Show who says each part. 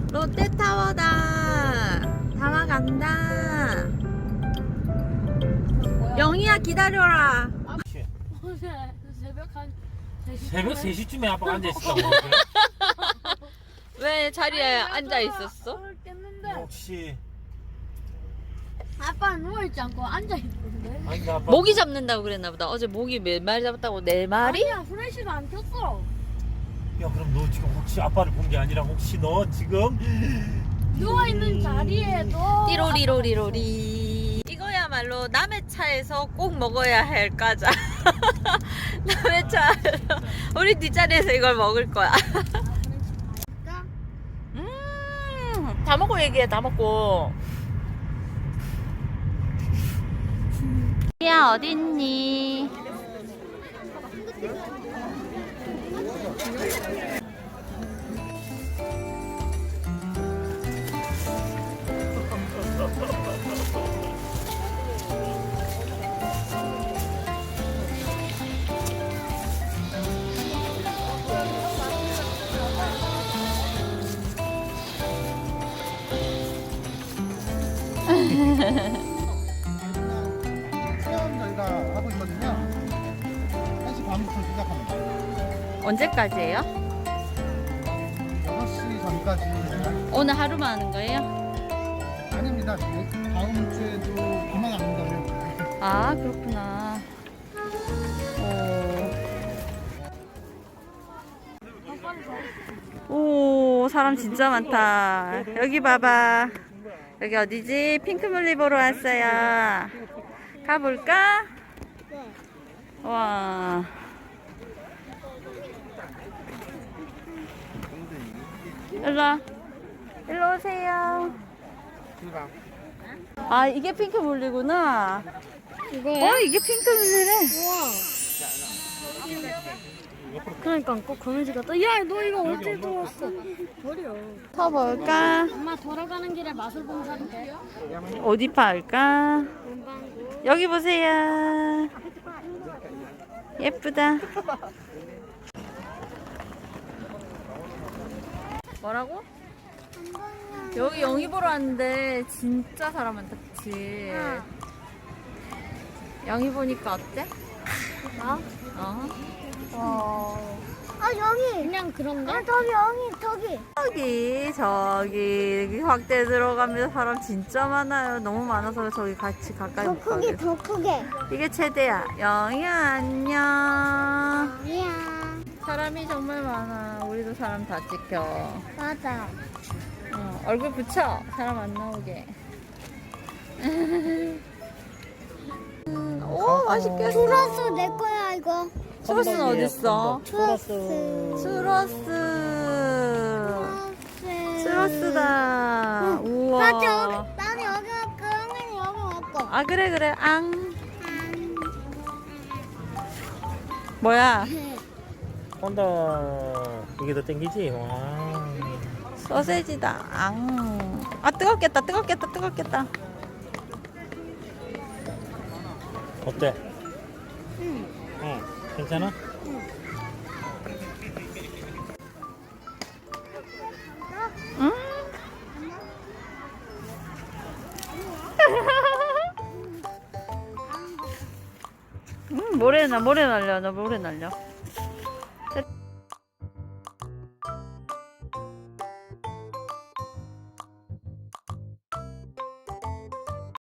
Speaker 1: 롯데타워다. 다 와간다. 영희야 기다려라.
Speaker 2: 어제 새벽 한 3시
Speaker 3: 새벽 3시쯤에 아빠가 앉아있었다고.
Speaker 1: 왜 자리에 앉아 있었어?
Speaker 2: 깼는데
Speaker 3: 혹시
Speaker 2: 아빠 누워있지 않고 앉아있던데.
Speaker 3: 아닌가 아빠
Speaker 1: 모기 잡는다고 그랬나 보다. 어제 모기 몇 마리 잡았다고? 4마리?
Speaker 2: 아니야 후레쉬가 안 켰어.
Speaker 3: 야 그럼 너 지금 혹시 아빠를 본 게 아니라 혹시 너 지금
Speaker 2: 누워있는 자리에도
Speaker 1: 띠로리로리로리. 이거야말로 남의 차에서 꼭 먹어야 할 과자. 남의 차 우리 뒷자리에서 이걸 먹을 거야. 다 먹고 얘기해. 다 먹고. 야 어딨니?
Speaker 4: 체험 저희가 하고 있거든요. 1시 반부터 시작합니다.
Speaker 1: 언제까지예요?
Speaker 4: 6시 전까지.
Speaker 1: 오늘 하루만 하는 거예요?
Speaker 4: 아닙니다. 다음 주에도 비만 안 온다면.
Speaker 1: 아 그렇구나. 오 사람 진짜 많다. 여기 봐봐. 여기 어디지? 핑크뮬리 보러 왔어요. 가볼까? 와. 일로 일로 오세요. 아 이게 핑크뮬리구나.
Speaker 2: 이거야?
Speaker 1: 이게 핑크뮬리래.
Speaker 2: 우와. 그러니까 꼭 거미줄 같다. 야, 너 이거 어디에 들어왔어? 버려.
Speaker 1: 서볼까?
Speaker 2: 엄마 돌아가는 길에 마술봉사인데.
Speaker 1: 어디 팔까?
Speaker 2: 문방구.
Speaker 1: 여기 보세요. 예쁘다. 뭐라고? 여기 영희 보러 왔는데 진짜 사람 많다, 그치? 영희 보니까 어때?
Speaker 2: 여기. 그냥 그런가?
Speaker 1: 저기 확대 들어가면 사람 진짜 많아요. 너무 많아서 저기 같이 가까이 못 가게.
Speaker 2: 더 크게.
Speaker 1: 이게 최대야. 영희야 안녕.
Speaker 2: 아니야.
Speaker 1: 사람이 정말 많아. 우리도 사람 다 찍혀.
Speaker 2: 맞아.
Speaker 1: 얼굴 붙여. 사람 안 나오게. 오 맛있겠어.
Speaker 2: 추러스 내 거야 이거.
Speaker 1: 추러스는 어딨어?
Speaker 2: 추러스.
Speaker 1: 추러스. 추러스다. 우와.
Speaker 2: 나는 여기 갈거, 형이는 여기 갈거.
Speaker 1: 아 그래 앙. 뭐야?
Speaker 3: 혼다 이게 더 땡기지? 와
Speaker 1: 소세지다. 앙. 아 뜨겁겠다.
Speaker 3: 어때? 응 괜찮아?
Speaker 1: 음. 모래 날려. 너 모래 날려.